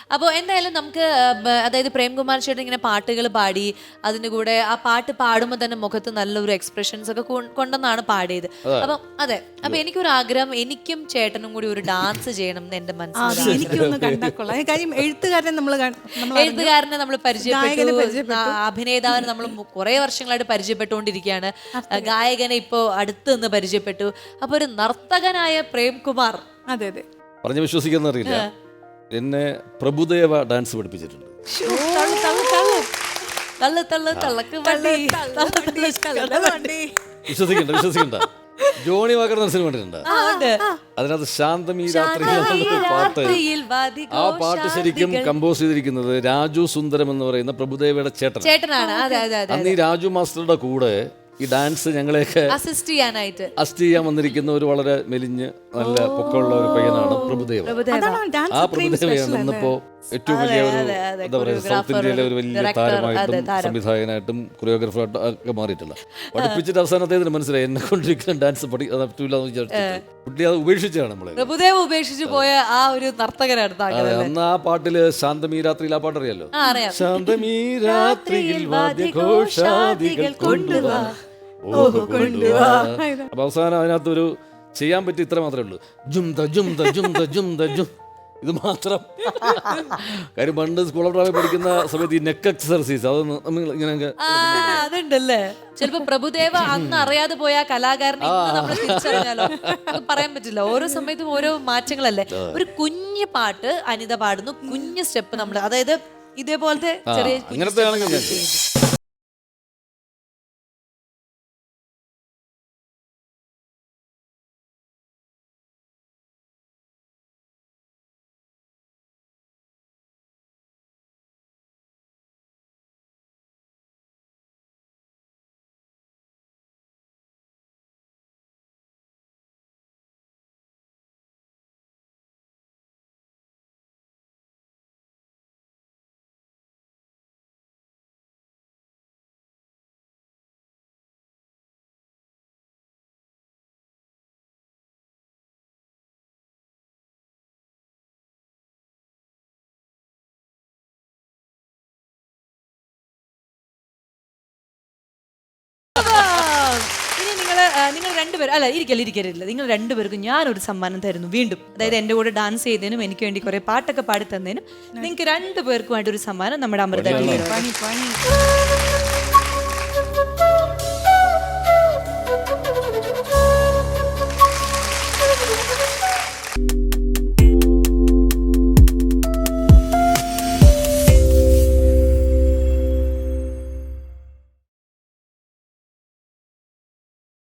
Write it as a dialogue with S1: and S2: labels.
S1: അപ്പോൾ എന്തായാലും നമുക്ക് അതായത് പ്രേംകുമാർ ചേട്ടൻ ഇങ്ങനെ പാട്ടുകൾ പാടി അതിൻ്റെ കൂടെ ആ പാട്ട് പാടുമ്പോൾ തന്നെ മുഖത്ത് നല്ലൊരു എക്സ്പ്രഷൻസ് ഒക്കെ കൊണ്ടെന്നാണ് പാടിയത്. അപ്പം അതെ, അപ്പൊ എനിക്കൊരു ആഗ്രഹം, എനിക്കും ചേട്ടനും കൂടി ഒരു ഡാൻസ് ചെയ്യണം എന്ന് എന്റെ മനസ്സിൽ.
S2: എനിക്കൊന്ന് കണ്ടാക്കൊള്ളാം. കാര്യം എഴുത്തുകാരനെ
S1: എഴുത്തുകാരനെ നമ്മൾ പരിചയപ്പെട്ടു, അഭിനേതാവിനെ നമ്മൾ കുറെ വർഷങ്ങളായിട്ട് പരിചയപ്പെട്ടുകൊണ്ടിരിക്കുകയാണ്, ഗായകനെ ഇപ്പോ അടുത്ത് നിന്ന് പരിചയപ്പെട്ടു. അപ്പൊ ഒരു നർത്തകനായ പ്രേംകുമാർ,
S2: അതെ അതെ,
S3: പറഞ്ഞ് വിശ്വസിക്കുന്ന അറിയില്ല, എന്നെ പ്രഭുദേവ ഡാൻസ് പഠിപ്പിച്ചിട്ടുണ്ട്. വിശ്വസിക്കണ്ട. ജോണി വാക്കർ മനസ്സിന് വേണ്ടിയിട്ടുണ്ട്. അതിനകത്ത് ശാന്തമീ രാത്രിയിൽ പാട്ട്, ആ പാട്ട് ശരിക്കും കമ്പോസ് ചെയ്തിരിക്കുന്നത് രാജു സുന്ദരം എന്ന് പറയുന്ന പ്രഭുദേവയുടെ ചേട്ടനാണ്. അന്ന് ഈ രാജു മാസ്റ്ററുടെ കൂടെ ഈ ഡാൻസ് ഞങ്ങളെയൊക്കെ അസിസ്റ്റ് ചെയ്യാൻ വന്നിരിക്കുന്ന ഒരു വളരെ മെലിഞ്ഞ് നല്ല പൊക്കമുള്ള ഒരു പയ്യനാണ് പ്രഭുദേവ. ആ പ്രഭുദേവയാണ് ഇന്നിപ്പോ ഏറ്റവും വലിയ ഒരു എന്താ പറയുക, സൗത്ത് ഇന്ത്യയിലെ ഒരു വലിയ താരമായിട്ടും സംവിധായകനായിട്ടും കൊറിയോഗ്രാഫറായിട്ടും ഒക്കെ മാറിയിട്ടില്ല. പഠിപ്പിച്ചിട്ട് അവസാനത്തേതിന് മനസ്സിലായി എന്നെ കൊണ്ടിരിക്കുന്ന ഡാൻസ് പറ്റില്ല എന്ന് വിചാരിച്ചിട്ട് കുട്ടി അത് ഉപേക്ഷിച്ചാണ് നമ്മളെ.
S1: പ്രഭുദേവ ഉപേക്ഷിച്ചു പോയ ആ ഒരു നർത്തകനാണ്.
S3: അന്ന് ആ പാട്ടില് ശാന്തമീ രാത്രിയിൽ ആ പാട്ടറിയാലോ, ശാന്തമീ രാത്രിയിൽ വാദ്യഘോഷാദികൾ കൊണ്ടുവാ. അപ്പൊ അവസാനം അതിനകത്തൊരു ചെയ്യാൻ പറ്റി ഇത്ര മാത്രമേ ഉള്ളൂ, ജുംദ ജുംദ ജുംദ ജുംദ ജും, ഇത് മാത്രം. കാര്യം പണ്ട് സ്കൂൾ ഓഫ് ഡ്രാമ പഠിക്കുന്ന സമയത്ത് ഈ നെക്ക് എക്സർസൈസ് അത് ഇങ്ങനെ
S1: അതുണ്ടല്ലേ. ചിലപ്പോ പ്രഭുദേവ അന്ന് അറിയാതെ പോയ കലാകാരനെ നമ്മൾ തിരിച്ചറിഞ്ഞാലോ, പറയാൻ പറ്റില്ല. ഓരോ സമയത്തും ഓരോ മാറ്റങ്ങളല്ലേ. ഒരു കുഞ്ഞു പാട്ട് അനിത പാടുന്നു, കുഞ്ഞു സ്റ്റെപ്പ് നമ്മൾ, അതായത് ഇതേപോലത്തെ ചെറിയ
S3: അങ്ങനത്തെ ആണെങ്കിൽ നിങ്ങൾ രണ്ടുപേരും ഇരിക്കരുത്, നിങ്ങൾ രണ്ടുപേർക്കും ഞാനൊരു സമ്മാനം തരുന്നു വീണ്ടും. അതായത് എൻ്റെ കൂടെ ഡാൻസ് ചെയ്തതിനും എനിക്ക് വേണ്ടി കുറെ പാട്ടൊക്കെ പാടി തന്നതിനും നിങ്ങൾക്ക് രണ്ടുപേർക്കുമായിട്ടൊരു സമ്മാനം നമ്മുടെ അമൃത.